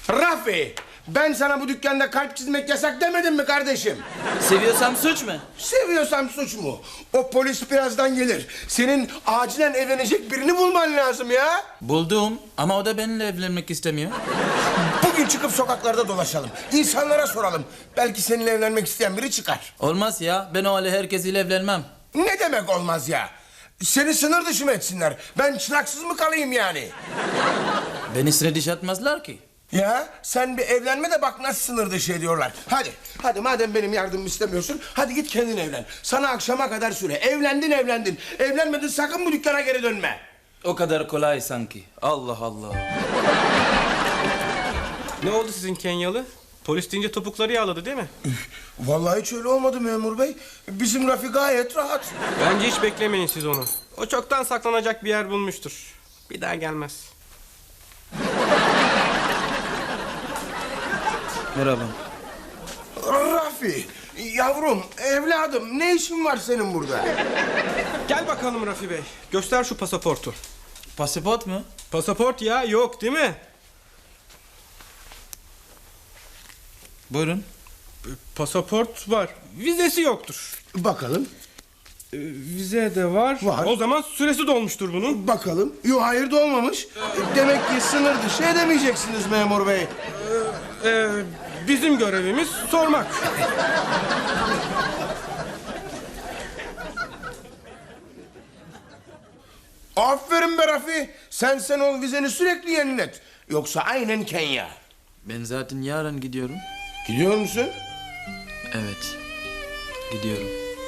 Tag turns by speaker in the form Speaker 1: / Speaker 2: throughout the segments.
Speaker 1: Rafi, ben sana bu dükkanda kalp çizmek yasak demedim mi kardeşim?
Speaker 2: Seviyorsam suç mu?
Speaker 1: Seviyorsam suç mu? O polis birazdan gelir. Senin acilen evlenecek birini bulman lazım ya.
Speaker 2: Buldum ama o da benimle evlenmek istemiyor.
Speaker 1: Bugün çıkıp sokaklarda dolaşalım. İnsanlara soralım. Belki seninle evlenmek isteyen biri çıkar.
Speaker 2: Olmaz ya, ben o hale herkesiyle evlenmem.
Speaker 1: Ne demek olmaz ya? Seni sınır dışı mı etsinler? Ben çıraksız mı kalayım yani?
Speaker 2: Beni sıra dışı atmazlar ki.
Speaker 1: Ya sen bir evlenme de bak nasıl sınır dışı ediyorlar. Hadi madem benim yardımımı istemiyorsun, hadi git kendin evlen. Sana akşama kadar süre. Evlendin. Evlenmedin, sakın bu dükkana geri dönme.
Speaker 2: O kadar kolay sanki. Allah Allah.
Speaker 3: Ne oldu sizin Kenyalı? Polis deyince topukları yağladı değil mi?
Speaker 1: Vallahi hiç öyle olmadı memur bey. Bizim Rafi gayet rahat.
Speaker 3: Bence hiç beklemeyin siz onu. O çoktan saklanacak bir yer bulmuştur. Bir daha gelmez.
Speaker 2: Merhaba.
Speaker 1: Rafi, yavrum, evladım, ne işin var senin burada?
Speaker 3: Gel bakalım Rafi Bey. Göster şu pasaportu.
Speaker 2: Pasaport mu?
Speaker 3: Pasaport ya, yok değil mi?
Speaker 2: Buyurun.
Speaker 3: Pasaport var. Vizesi yoktur.
Speaker 1: Bakalım,
Speaker 3: Vize de var.
Speaker 1: Var.
Speaker 3: O zaman süresi dolmuştur bunun.
Speaker 1: bakalım. Yok, hayır da olmamış. Demek ki sınır dışı edemeyeceksiniz memur bey.
Speaker 3: Bizim görevimiz sormak.
Speaker 1: Aferin be Rafi. Sen o vizeni sürekli yenilet. Yoksa aynen Kenya.
Speaker 2: Ben zaten yarın gidiyorum.
Speaker 1: Gidiyor musun?
Speaker 2: Evet. Gidiyorum.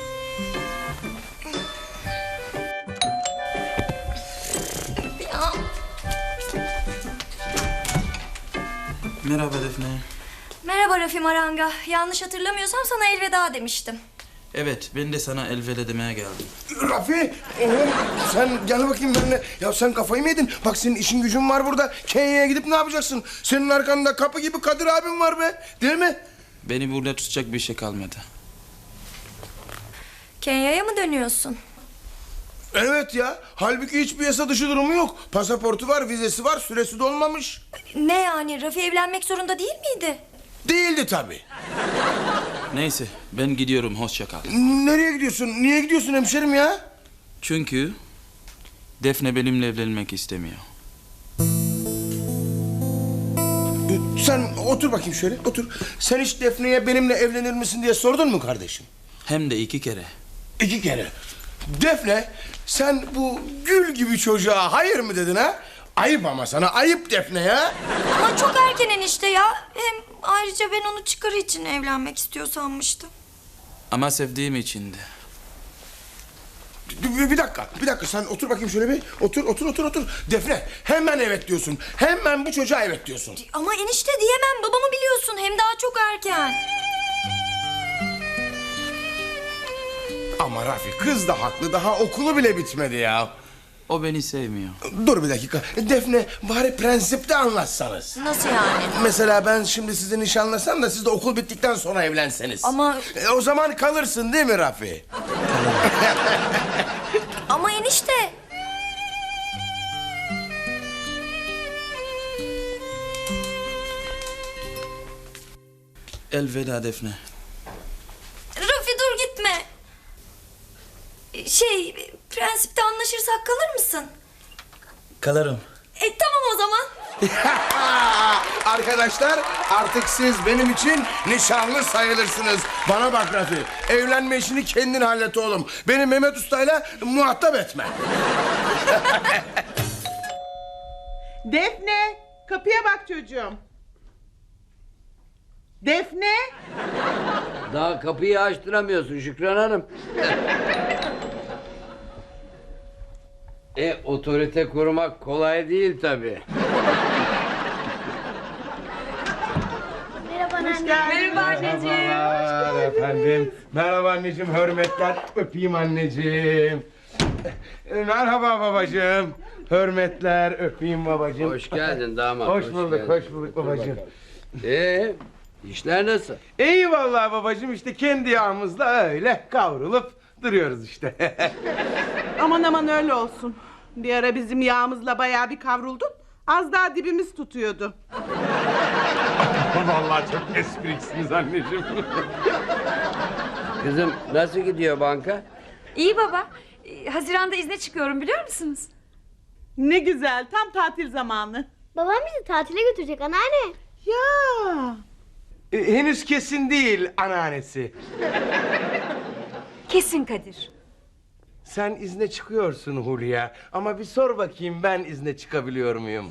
Speaker 2: Merhaba Defne.
Speaker 4: Merhaba Rafi Maranga. Yanlış hatırlamıyorsam sana elveda demiştim.
Speaker 2: Evet, ben de sana elveda demeye geldim.
Speaker 1: Rafi, oğlum sen gel bakayım benimle. Ya sen kafayı mı yedin? Bak senin işin gücün var burada. Kenya'ya gidip ne yapacaksın? Senin arkanda kapı gibi Kadir abim var be. Değil mi?
Speaker 2: Beni burada tutacak bir şey kalmadı.
Speaker 4: Kenya'ya mı dönüyorsun?
Speaker 1: Evet ya. Halbuki hiçbir yasa dışı durumu yok. Pasaportu var, vizesi var, süresi dolmamış.
Speaker 4: Ne yani? Rafi evlenmek zorunda değil miydi?
Speaker 1: Değildi tabii.
Speaker 2: Neyse, ben gidiyorum. Hoşça kal.
Speaker 1: Nereye gidiyorsun? Niye gidiyorsun hemşerim ya?
Speaker 2: Çünkü Defne benimle evlenmek istemiyor.
Speaker 1: Sen otur bakayım şöyle, otur. Sen hiç Defne'ye benimle evlenir misin diye sordun mu kardeşim?
Speaker 2: Hem de 2 kere.
Speaker 1: 2 kere. Defne, sen bu gül gibi çocuğa hayır mı dedin ha? Ayıp ama sana, ayıp Defne ya.
Speaker 4: Ama çok erken enişte ya. Hem ayrıca ben onu çıkarı için evlenmek istiyor sanmıştım.
Speaker 2: Ama sevdiğim içindi.
Speaker 1: Bir dakika sen otur bakayım şöyle bir. Otur. Defne, hemen evet diyorsun. Hemen bu çocuğa evet diyorsun.
Speaker 4: Ama enişte diyemem. Babamı biliyorsun. Hem daha çok erken.
Speaker 1: Ama Rafi, kız da haklı, daha okulu bile bitmedi ya.
Speaker 2: O beni sevmiyor.
Speaker 1: Dur bir dakika. Defne, bari prensipte anlatsanız.
Speaker 4: Nasıl yani?
Speaker 1: Mesela ben şimdi sizi nişanlasam da siz de okul bittikten sonra evlenseniz.
Speaker 4: Ama...
Speaker 1: O zaman kalırsın değil mi Rafi?
Speaker 4: Ama enişte...
Speaker 2: Elveda Defne.
Speaker 4: Rafi dur gitme. Prensipte anlaşırsak kalır mısın?
Speaker 2: Kalırım.
Speaker 4: Tamam o zaman.
Speaker 1: Arkadaşlar, artık siz benim için nişanlı sayılırsınız. Bana bak Rafi, evlenme işini kendin hallet oğlum. Beni Mehmet Usta'yla muhatap etme.
Speaker 5: Defne, kapıya bak çocuğum. Defne.
Speaker 6: Daha kapıyı açtıramıyorsun Şükran Hanım. Otorite kurmak kolay değil tabii.
Speaker 5: Merhaba anneciğim.
Speaker 1: Merhabalar efendim. Merhaba anneciğim, hürmetler. Öpeyim anneciğim. Merhaba babacığım. Hürmetler, öpeyim babacığım.
Speaker 6: Hoş geldin damat.
Speaker 1: Hoş bulduk
Speaker 6: geldin.
Speaker 1: babacığım.
Speaker 6: İşler nasıl?
Speaker 1: İyi vallahi babacığım, işte kendi yağımızla öyle kavrulup duruyoruz işte.
Speaker 5: Aman öyle olsun. Bir ara bizim yağımızla bayağı bir kavruldun. Az daha dibimiz tutuyordu.
Speaker 1: Vallahi çok espriksiniz anneciğim.
Speaker 6: Kızım nasıl gidiyor banka?
Speaker 7: İyi baba. Haziran'da izne çıkıyorum biliyor musunuz?
Speaker 5: Ne güzel, tam tatil zamanı.
Speaker 8: Babam bizi tatile götürecek anneanne.
Speaker 5: Ya.
Speaker 1: Henüz kesin değil anneannesi.
Speaker 7: Kesin Kadir.
Speaker 1: Sen izne çıkıyorsun Hulya. Ama bir sor bakayım ben izne çıkabiliyor muyum?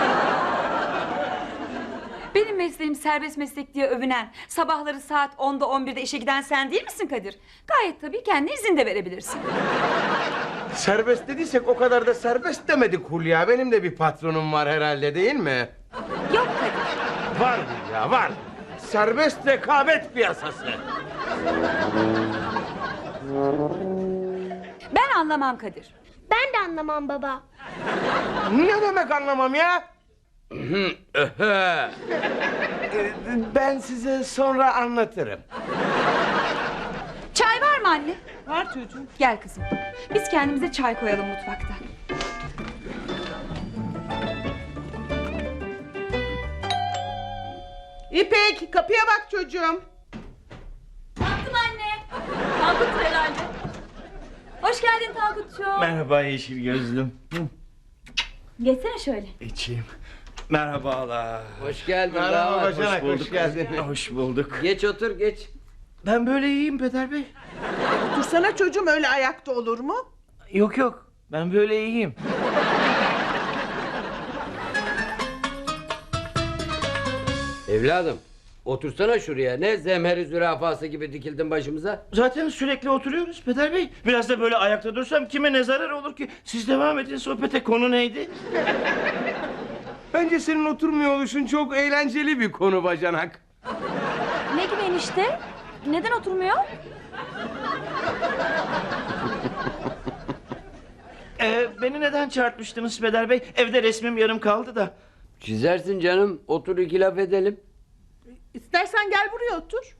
Speaker 7: Benim mesleğim serbest meslek diye övünen, sabahları saat 10'da 11'de işe giden sen değil misin Kadir? Gayet tabii kendi izin de verebilirsin.
Speaker 1: Serbest dediysek o kadar da serbest demedik Hulya. Benim de bir patronum var herhalde değil mi?
Speaker 7: Yok Kadir.
Speaker 1: Var Hulya var. Serbest rekabet piyasası.
Speaker 7: Ben anlamam Kadir.
Speaker 8: Ben de anlamam baba.
Speaker 1: Ne demek anlamam ya? Ben size sonra anlatırım.
Speaker 7: Çay var mı anne?
Speaker 5: Var çocuğum.
Speaker 7: Gel kızım. Biz kendimize çay koyalım mutfakta.
Speaker 5: İpek, kapıya bak çocuğum.
Speaker 7: Baktım anne. Tankut herhalde. Hoş geldin Tankut'cuğum.
Speaker 9: Merhaba yeşil gözlüm.
Speaker 7: Geçsene şöyle.
Speaker 9: İçeyim. Merhabalar.
Speaker 6: Hoş geldin.
Speaker 1: Merhaba
Speaker 6: damat.
Speaker 1: bacanak, hoş geldin.
Speaker 9: Hoş bulduk.
Speaker 6: Geç otur geç.
Speaker 9: Ben böyle iyiyim Peder Bey.
Speaker 5: Otursana çocuğum, öyle ayakta olur mu?
Speaker 9: Yok yok. Ben böyle iyiyim.
Speaker 6: Evladım otursana şuraya. Ne zemheri zürafası gibi dikildin başımıza.
Speaker 9: Zaten sürekli oturuyoruz Peder Bey. Biraz da böyle ayakta dursam kime ne zarar olur ki? Siz devam edin sohbete, konu neydi?
Speaker 1: Bence senin oturmuyor oluşun çok eğlenceli bir konu bacanak.
Speaker 7: Ne gibi enişte? Neden oturmuyor?
Speaker 9: Beni neden çağırtmıştınız Peder Bey? Evde resmim yarım kaldı da.
Speaker 6: Çizersin canım. Otur iki laf edelim.
Speaker 5: İstersen gel buraya otur.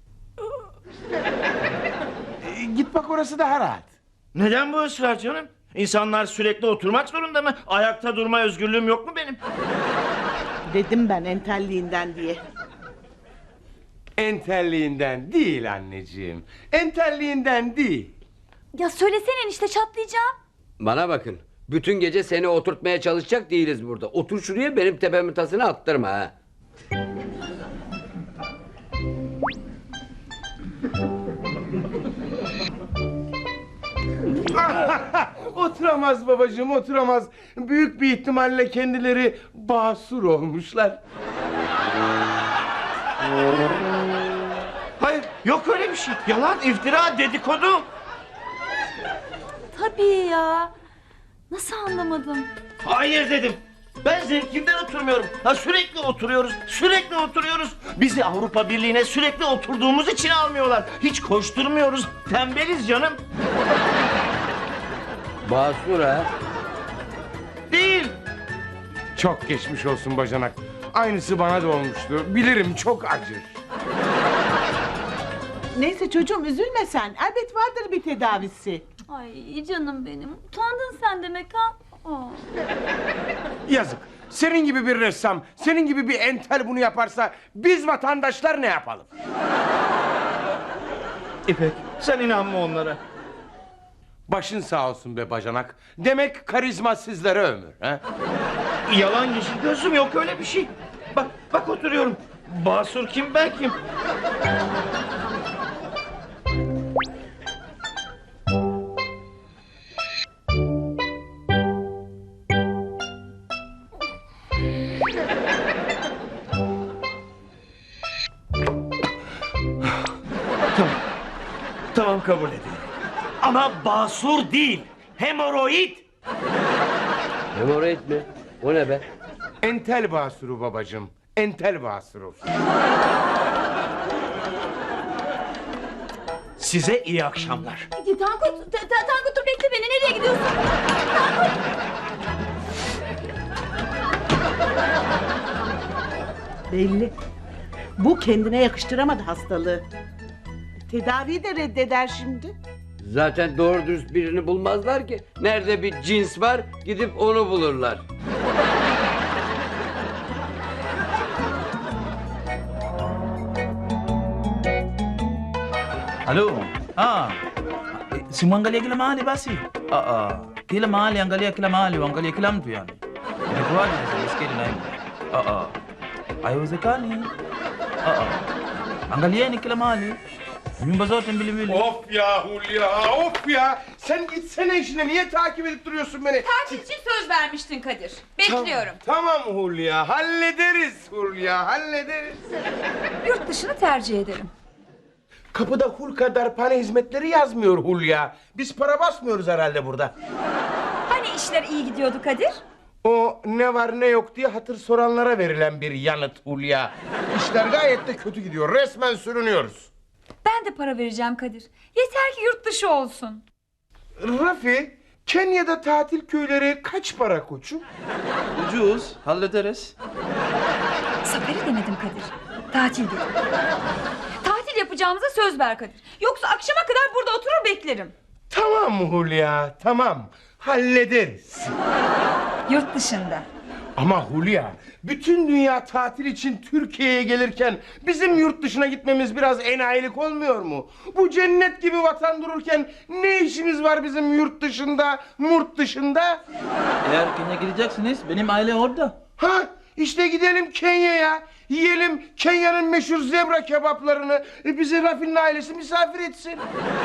Speaker 1: Git bak orası daha rahat.
Speaker 9: Neden bu ısrar canım? İnsanlar sürekli oturmak zorunda mı? Ayakta durma özgürlüğüm yok mu benim?
Speaker 5: Dedim ben entelliğinden diye.
Speaker 1: Entelliğinden değil anneciğim. Entelliğinden değil.
Speaker 7: Ya söylesene enişte, çatlayacağım.
Speaker 6: Bana bakın. Bütün gece seni oturtmaya çalışacak değiliz burada. Otur şuraya, benim tepemin tasını attırma ha.
Speaker 1: Oturamaz babacığım, oturamaz. Büyük bir ihtimalle kendileri basur olmuşlar.
Speaker 9: Hayır, yok öyle bir şey. Yalan, iftira, dedikodu.
Speaker 7: Tabii ya. Nasıl anlamadım?
Speaker 9: Hayır dedim. Ben zevkimden oturmuyorum. Ha, sürekli oturuyoruz, sürekli oturuyoruz. Bizi Avrupa Birliği'ne sürekli oturduğumuz için almıyorlar. Hiç koşturmuyoruz, tembeliz canım.
Speaker 6: Basur ha.
Speaker 9: Değil.
Speaker 1: Çok geçmiş olsun bacanak. Aynısı bana da olmuştu. Bilirim, çok acır.
Speaker 5: Neyse çocuğum, üzülme sen. Elbet vardır bir tedavisi.
Speaker 7: Ay canım benim. Utandın sen demek ha. Aa.
Speaker 1: Yazık. Senin gibi bir ressam, senin gibi bir entel bunu yaparsa biz vatandaşlar ne yapalım?
Speaker 9: İpek, sen inanma onlara.
Speaker 1: Başın sağ olsun be bacanak. Demek karizma sizlere ömür. He?
Speaker 9: Yalan yeşil gözüm, yok öyle bir şey. Bak oturuyorum. Basur kim, ben kim? Tamam kabul edeyim. Ama basur değil, hemoroid.
Speaker 6: Hemoroid mi? O ne be?
Speaker 1: Entel basuru babacığım. Entel basuru.
Speaker 9: Size iyi akşamlar.
Speaker 7: Tankut, Tankut dur bekle beni. Nereye gidiyorsun?
Speaker 5: Belli. Bu kendine yakıştıramadı hastalığı. Tedaviyi de reddeder şimdi.
Speaker 6: Zaten doğru dürüst birini bulmazlar ki. Nerede bir cins var gidip onu bulurlar.
Speaker 2: Halo. Simwangalia kila mahali basi. Kila mahali, angalia kila mahali, angalia kila mtu yani. Inakuwaje sasa sketi na hiyo? Haiwezekani. Angalieni kila mahali. Nyumba zote mbili.
Speaker 1: Of ya Hulya, of ya. Sen gitsene işine, niye takip edip duruyorsun beni?
Speaker 7: Tatil için söz vermiştin Kadir. Bekliyorum.
Speaker 1: Tamam Hulya, hallederiz Hulya, hallederiz.
Speaker 7: Yurt dışını tercih ederim.
Speaker 1: Kapıda Hulka darphane hizmetleri yazmıyor Hulya. Biz para basmıyoruz herhalde burada.
Speaker 7: Hani işler iyi gidiyordu Kadir?
Speaker 1: O ne var ne yok diye hatır soranlara verilen bir yanıt Hulya. İşler gayet de kötü gidiyor, resmen sürünüyoruz.
Speaker 7: Ben de para vereceğim Kadir. Yeter ki yurt dışı olsun.
Speaker 1: Rafi, Kenya'da tatil köyleri kaç para koçum?
Speaker 2: Ucuz, hallederiz.
Speaker 7: Safari demedim Kadir. Tatil dedim. Tatil yapacağımıza söz ver Kadir. Yoksa akşama kadar burada oturur beklerim.
Speaker 1: Tamam Hulya, tamam. Hallederiz.
Speaker 7: Yurt dışında.
Speaker 1: Ama Hulya, bütün dünya tatil için Türkiye'ye gelirken bizim yurt dışına gitmemiz biraz enayilik olmuyor mu? Bu cennet gibi vatan dururken ne işimiz var bizim yurt dışında, murt dışında?
Speaker 2: Eğer Kenya gideceksiniz, benim aile orada.
Speaker 1: Ha, işte gidelim Kenya'ya. Yiyelim Kenya'nın meşhur zebra kebaplarını. Bizi Rafi'nin ailesi misafir etsin.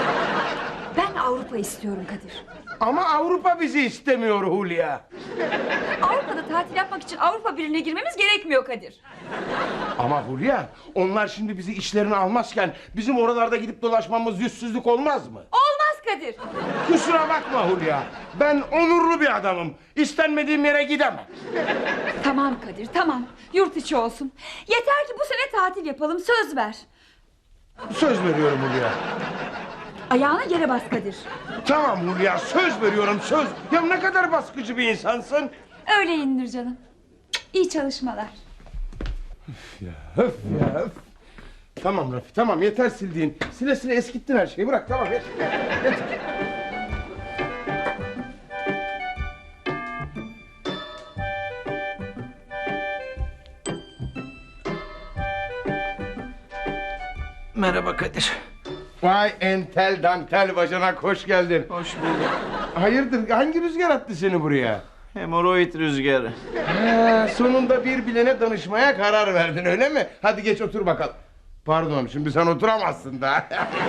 Speaker 7: Ben Avrupa istiyorum Kadir.
Speaker 1: Ama Avrupa bizi istemiyor Hulya.
Speaker 7: Avrupa'da tatil yapmak için Avrupa Birliği'ne girmemiz gerekmiyor Kadir.
Speaker 1: Ama Hulya, onlar şimdi bizi işlerine almazken bizim oralarda gidip dolaşmamız yüzsüzlük olmaz mı?
Speaker 7: Olmaz Kadir.
Speaker 1: Kusura bakma Hulya. Ben onurlu bir adamım. İstenmediğim yere gidemem.
Speaker 7: Tamam Kadir, tamam. Yurt içi olsun. Yeter ki bu sene tatil yapalım, söz ver.
Speaker 1: Söz veriyorum Hulya.
Speaker 7: Ayağına yere bas Kadir.
Speaker 1: Tamam Hulya, söz veriyorum, söz. Ya ne kadar baskıcı bir insansın.
Speaker 7: Öyle indir canım. İyi çalışmalar.
Speaker 1: Öf ya, öf. Tamam Rafi, tamam, yeter sildiğin. Sile sile eskittin her şeyi, bırak, tamam, yeter.
Speaker 2: Merhaba Kadir.
Speaker 1: Vay entel dantel bacanak, hoş geldin.
Speaker 2: Hoş bulduk.
Speaker 1: Hayırdır, hangi rüzgar attı seni buraya?
Speaker 2: Hemoroid rüzgarı.
Speaker 1: Sonunda bir bilene danışmaya karar verdin, öyle mi? Hadi geç otur bakalım. Pardon, şimdi sen oturamazsın da.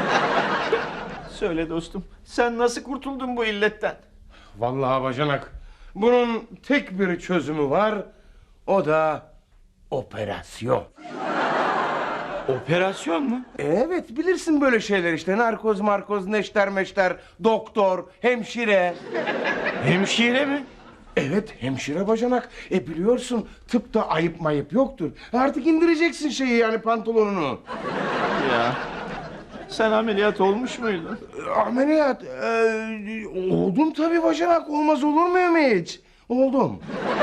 Speaker 9: Söyle dostum, sen nasıl kurtuldun bu illetten?
Speaker 1: Vallahi bacanak, bunun tek bir çözümü var. O da operasyon.
Speaker 9: Operasyon mu?
Speaker 1: Evet, bilirsin böyle şeyler işte. Narkoz, markoz, neşter meşter, doktor, hemşire.
Speaker 9: Hemşire mi?
Speaker 1: Evet, hemşire bacanak. Biliyorsun, tıpta ayıp mayıp yoktur. Artık indireceksin şeyi, yani pantolonunu.
Speaker 9: Ya, sen ameliyat olmuş muydun?
Speaker 1: Ameliyat, oldum tabii bacanak. Olmaz olur muyum hiç? Oldum.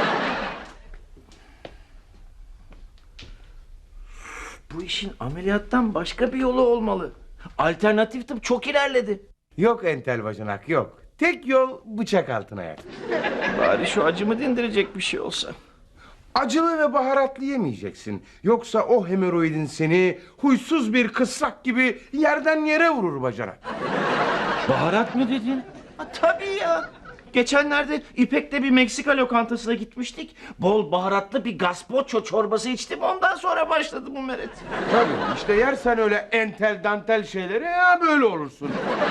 Speaker 9: Bu işin ameliyattan başka bir yolu olmalı. Alternatif tıp çok ilerledi.
Speaker 1: Yok entel bacanak, yok. Tek yol bıçak altına yak.
Speaker 9: Bari şu acımı dindirecek bir şey olsa.
Speaker 1: Acılı ve baharatlı yemeyeceksin. Yoksa o hemoroidin seni huysuz bir kısrak gibi yerden yere vurur bacanak.
Speaker 9: Baharat mı dedin? Tabii ya. Geçenlerde İpek'le bir Meksika lokantasına gitmiştik. Bol baharatlı bir gazpacho çorbası içtim. Ondan sonra başladı bu meret.
Speaker 1: Tabii işte yersen öyle entel dantel şeyleri ya böyle olursun.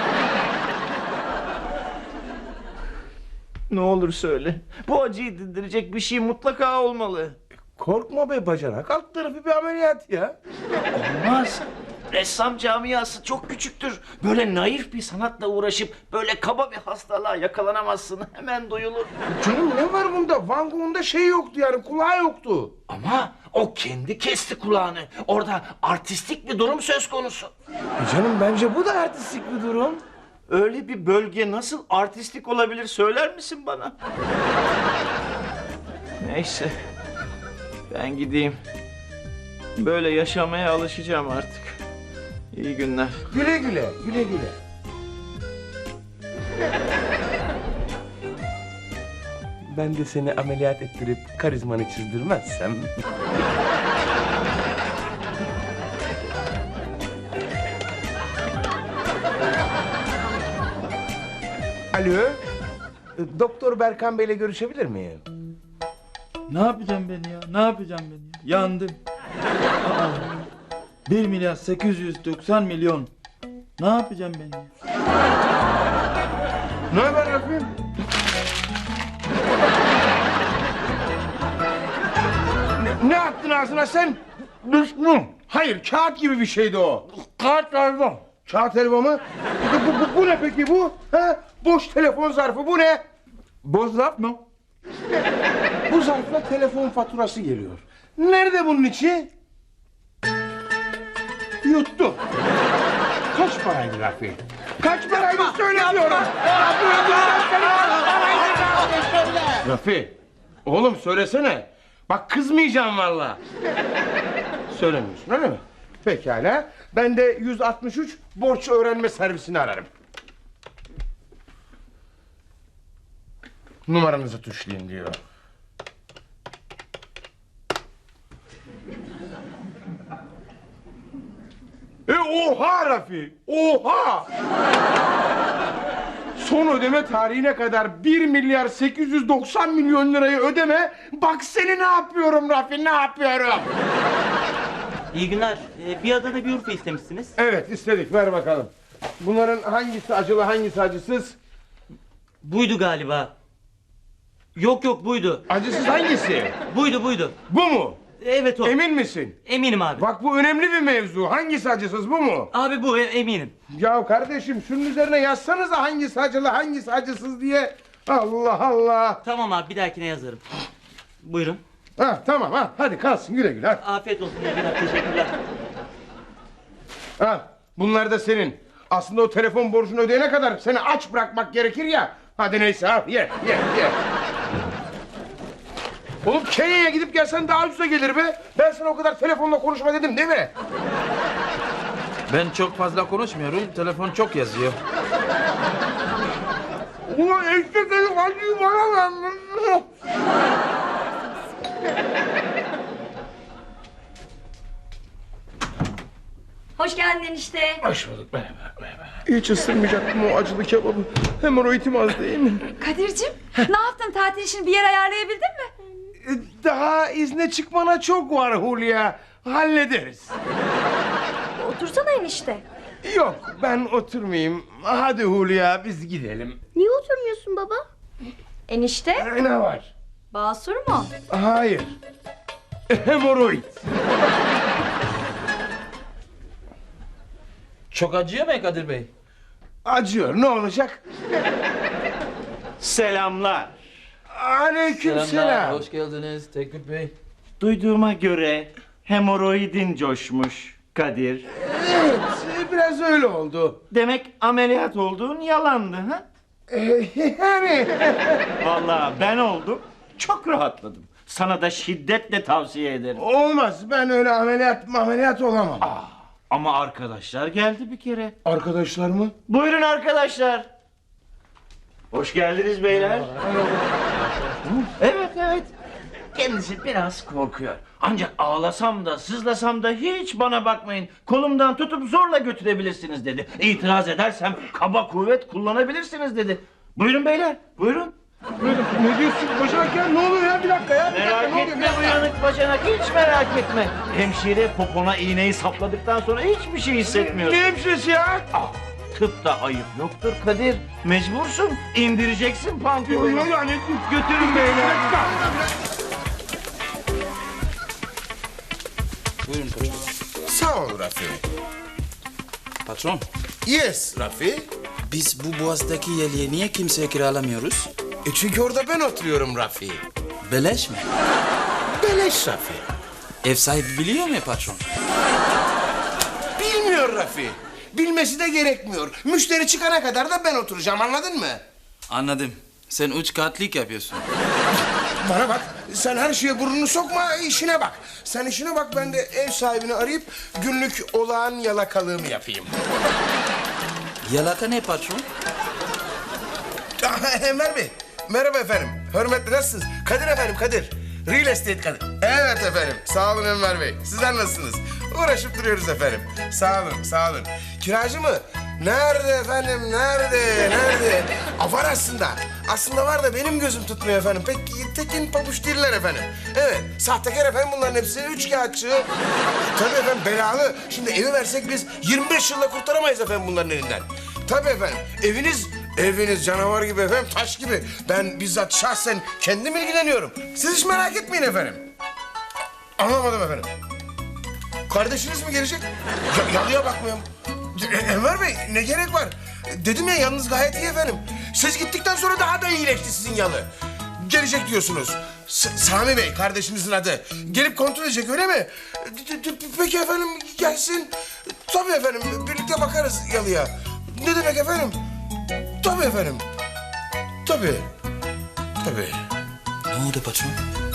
Speaker 9: Ne olur söyle. Bu acıyı dindirecek bir şey mutlaka olmalı.
Speaker 1: Korkma be bacanak, alt tarafı bir ameliyat ya.
Speaker 9: Olmaz. Ressam camiası çok küçüktür. Böyle naif bir sanatla uğraşıp böyle kaba bir hastalığa yakalanamazsın. Hemen duyulur.
Speaker 1: Canım ne var bunda? Van Gogh'un da şey yoktu yani, kulağı yoktu.
Speaker 9: Ama o kendi kesti kulağını. Orada artistik bir durum söz konusu.
Speaker 1: Canım bence bu da artistik bir durum.
Speaker 9: Öyle bir bölge nasıl artistik olabilir söyler misin bana? Neyse. Ben gideyim. Böyle yaşamaya alışacağım artık. İyi günler.
Speaker 1: Güle güle, güle güle. Ben de seni ameliyat ettirip karizmanı çizdirmezsem... Alo. Doktor Berkan Bey'le görüşebilir miyim?
Speaker 2: Ne yapacağım ben ya? Ne yapacağım ben ya? Yandım. Aa, 1 milyar 890 milyon. Ne yapacağım ben ya?
Speaker 1: Ne haber Rafi? Ne attın ağzına sen? Düşman. Hayır, kağıt gibi bir şeydi o. Kağıt helva. Kağıt helva mı? Bu ne peki bu? Ha? Boş telefon zarfı, bu ne?
Speaker 2: Boş zarf mı?
Speaker 1: Bu zarfla telefon faturası geliyor. Nerede bunun içi? Yuttu. Kaç paraydı Rafi? Kaç paraydı söyle diyorum. Rafi, oğlum söylesene. Bak kızmayacağım vallahi. Söylemiyorsun öyle mi? Pekala. Ben de 163 borç öğrenme servisini ararım. Numaranızı tuşlayın diyor. Oha Rafi! Oha! Son ödeme tarihine kadar 1 milyar 890 milyon lirayı ödeme. Bak seni ne yapıyorum Rafi, ne yapıyorum?
Speaker 9: İyi günler. Bir adada bir Urfa istemişsiniz.
Speaker 1: Evet istedik, ver bakalım. Bunların hangisi acılı, hangisi acısız?
Speaker 9: Buydu galiba. Yok buydu.
Speaker 1: Acısız hangisi?
Speaker 9: Buydu.
Speaker 1: Bu mu?
Speaker 9: Evet o.
Speaker 1: Emin misin?
Speaker 9: Eminim abi.
Speaker 1: Bak bu önemli bir mevzu. Hangisi acısız, bu mu?
Speaker 9: Abi bu eminim.
Speaker 1: Ya kardeşim şunun üzerine yazsanıza hangisi acılı, hangisi acısız diye. Allah Allah.
Speaker 9: Tamam abi bir dahakine yazarım. Buyurun.
Speaker 1: Ha tamam ha, hadi kalsın güle güle.
Speaker 9: Afiyet olsun. İyi günler. Teşekkürler.
Speaker 1: Ha, bunlar da senin. Aslında o telefon borcunu ödeyene kadar seni aç bırakmak gerekir ya. Hadi neyse al, ye. Oğlum Kenya'ya gidip gelsen daha ucuza gelir be. Ben sana o kadar telefonla konuşma dedim değil mi?
Speaker 2: Ben çok fazla konuşmuyorum. Telefon çok yazıyor.
Speaker 1: Ulan eşek herif acıyı bana ver.
Speaker 4: Hoş geldin enişte.
Speaker 1: Hoş bulduk, merhaba. Hiç ısırmayacaktım o acılı kebabı. Hemoroidim az değil mi?
Speaker 7: Kadir'cim ne yaptın, tatil için bir yer ayarlayabildin mi?
Speaker 1: Daha izne çıkmana çok var Hulya. Hallederiz.
Speaker 4: Otursana enişte.
Speaker 1: Yok ben oturmayayım. Hadi Hulya biz gidelim.
Speaker 8: Niye oturmuyorsun baba?
Speaker 4: Enişte?
Speaker 1: Ne var?
Speaker 4: Basur mu?
Speaker 1: Hayır. Hemoroid.
Speaker 2: Çok acıyor mu Kadir Bey?
Speaker 1: Acıyor, ne olacak?
Speaker 9: Selamlar.
Speaker 1: Aleykümselam.
Speaker 2: Hoş geldiniz Teknik Bey.
Speaker 9: Duyduğuma göre hemoroidin coşmuş Kadir.
Speaker 1: Evet, biraz öyle oldu.
Speaker 9: Demek ameliyat olduğun yalandı ha?
Speaker 1: Yani...
Speaker 9: Vallahi ben oldum. Çok rahatladım. Sana da şiddetle tavsiye ederim.
Speaker 1: Olmaz, ben öyle ameliyat olamam.
Speaker 9: Ama arkadaşlar geldi bir kere.
Speaker 1: Arkadaşlar mı?
Speaker 9: Buyurun arkadaşlar. Hoş geldiniz beyler. Evet. Kendisi biraz korkuyor. Ancak ağlasam da sızlasam da hiç bana bakmayın. Kolumdan tutup zorla götürebilirsiniz dedi. İtiraz edersem kaba kuvvet kullanabilirsiniz dedi. Buyurun beyler, buyurun.
Speaker 1: Ne diyorsun Başak ya? Ne oluyor ya? Bir dakika ya.
Speaker 9: Merak etme uyanık bacanak, hiç merak etme. Hemşire popona iğneyi sapladıktan sonra hiçbir şey hissetmiyorsun.
Speaker 1: Ne hemşiresi ya?
Speaker 9: Tıpta ayıp yoktur Kadir. Mecbursun, indireceksin pantolonu.
Speaker 1: Yani...
Speaker 9: Götürün beyler.
Speaker 2: Buyurun patron.
Speaker 1: Sağ ol Rafi.
Speaker 2: Patron,
Speaker 1: Yes Rafi.
Speaker 10: Biz bu boğazdaki yeleği niye kimseye kiralamıyoruz?
Speaker 1: Çünkü orada ben oturuyorum Rafi.
Speaker 10: Beleş mi?
Speaker 1: Beleş Rafi.
Speaker 10: Ev sahibi biliyor mu patron?
Speaker 1: Bilmiyor Rafi. Bilmesi de gerekmiyor. Müşteri çıkana kadar da ben oturacağım, anladın mı?
Speaker 10: Anladım. Sen üç katlik yapıyorsun.
Speaker 1: Bana bak, sen her şeye burnunu sokma, işine bak. Sen işine bak, ben de ev sahibini arayıp günlük olağan yalakalığımı yapayım.
Speaker 10: Yalaka ne patron?
Speaker 1: Enver Bey, merhaba efendim. Hürmetli, nasılsınız? Kadir efendim, Kadir. Real estate Kadir. Evet efendim, sağ olun Enver Bey. Sizler nasılsınız? Uğraşıp duruyoruz efendim. Sağ olun. Kiracı mı? Nerede efendim, nerede? Var aslında. Aslında var da benim gözüm tutmuyor efendim. Pek tekin pabuç değiller efendim. Evet, sahtekar efendim bunların hepsi. Üçkağıtçı. Tabii efendim, belalı. Şimdi evi versek biz 25 yılda kurtaramayız efendim bunların elinden. Tabii efendim, eviniz canavar gibi efendim, taş gibi. Ben bizzat şahsen kendim ilgileniyorum. Siz hiç merak etmeyin efendim. Anlamadım efendim. Kardeşiniz mi gelecek? Yalıya bakmıyorum. Enver Bey, ne gerek var? Dedim ya, yalnız gayet iyi efendim. Siz gittikten sonra daha da iyileşti sizin yalı. Gelecek diyorsunuz. Sami Bey, kardeşinizin adı. Gelip kontrol edecek, öyle mi? Peki efendim, gelsin. Tabii efendim, birlikte bakarız yalıya. Ne demek efendim? Tabii efendim. Tabii.
Speaker 10: Ne oldu patron?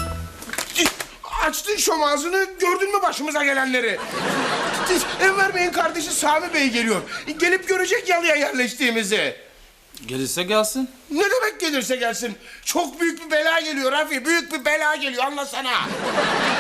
Speaker 1: Açtın şom ağzını, gördün mü başımıza gelenleri? Enver Bey'in kardeşi Sami Bey geliyor. Gelip görecek yalıya yerleştiğimizi.
Speaker 2: Gelirse gelsin.
Speaker 1: Ne demek gelirse gelsin? Çok büyük bir bela geliyor Rafi, büyük bir bela geliyor, anlasana.